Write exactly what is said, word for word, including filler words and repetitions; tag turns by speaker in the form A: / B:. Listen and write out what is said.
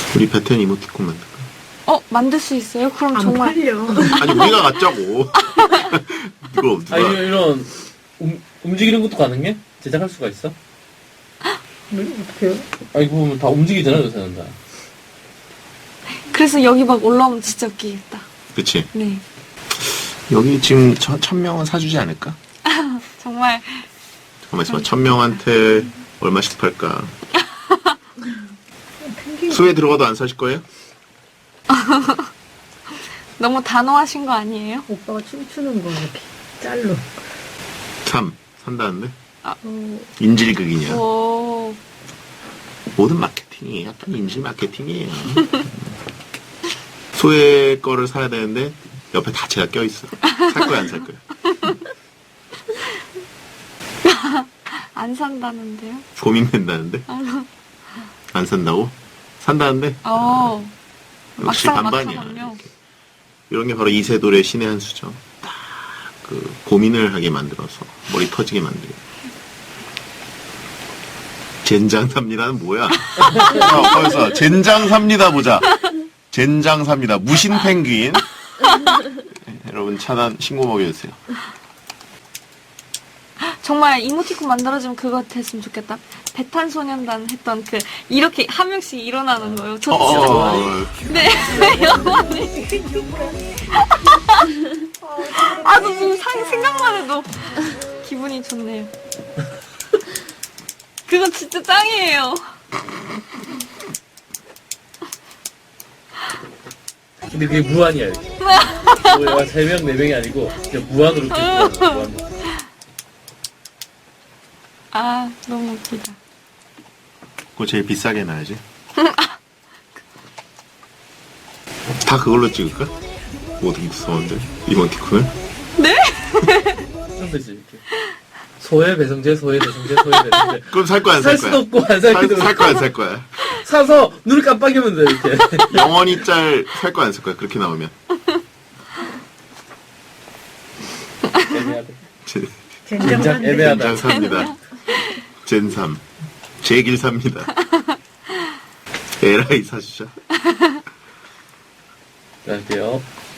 A: 우리 베텐 이모티콘 만들까?
B: 어, 만들 수 있어요? 그럼
C: 안
B: 정말.
C: 팔려.
A: 아니 우리가 갖자고. 누가 누가?
D: 아, 이런, 이런 움, 움직이는 것도 가능해? 제작할 수가 있어?
C: 네, 어떡해요?
D: 아, 이거 보면 다 움직이잖아, 요새는 다.
B: 그래서 여기 막 올라오면 진짜 웃기겠다.
A: 그치.
B: 네.
A: 여기 지금 천, 천 명은 사주지 않을까?
B: 정말.
A: 잠깐만 있어봐. 천 명한테 얼마씩 팔까? 수에 들어가도 안 사실 거예요?
B: 너무 단호하신 거 아니에요?
C: 오빠가 춤추는 거 이렇게 짤로.
A: 삼. 산다는데?
C: 어,
A: 인질극이냐?
B: 오.
A: 모든 마케팅이 약간 인질 마케팅이에요. 소의 거를 사야 되는데 옆에 다채가 껴있어. 살 거야 안 살 거야?
B: 안 산다는데요?
A: 고민된다는데? 안 산다고? 산다는데?
B: 어.
A: 역시
B: 막상
A: 반반이야.
B: 막하군요.
A: 이렇게. 이런 게 바로 이세돌의 신의 한 수죠. 딱 그 고민을 하게 만들어서 머리 터지게 만들고. 젠장 삽니다는 뭐야? 어, 거기서 젠장 삽니다 보자. 젠장 삽니다. 무신 펭귄. 네, 여러분 차단 신고 먹여주세요.
B: 정말 이모티콘 만들어주면 그거 됐으면 좋겠다. 배탄소년단 했던 그, 이렇게 한 명씩 일어나는 거요. 저
A: 어,
B: 진짜.
A: 어, 어.
B: 네, 영원히. 아, 저 지금 상- 생각만 해도 기분이 좋네요. 그건 진짜 짱이에요.
D: 근데 그게 무한이야, 이렇게. 뭐야, 세 명, 네 명이 아니고, 그냥 무한으로 계속 가는 거야, 무한으로.
B: 아, 너무 웃기다.
A: 그거 제일 비싸게 놔야지. 다 그걸로 찍을까? 모든 구성원들 이모티콘을?
D: 그런 거지, 이렇게. 소의 배성재, 소의 배성재, 소의 배성재.
A: 그럼 살 거야 안 살
D: 살
A: 거야?
D: 수도 없고, 안 살
A: 살,
D: 수도
A: 살
D: 없고.
A: 거야 안 살 거야?
D: 사서 눈을 깜빡이면 돼, 이렇게.
A: 영원히 짤 살 거야 안 살 거야? 그렇게 나오면.
D: 애매하다.
A: 제-
D: 젠장
C: 젠장한데.
D: 애매하다.
A: 젠장 삽니다. 젠삼. 제길 삽니다. 에라이 사주자.
D: 자, 할게요.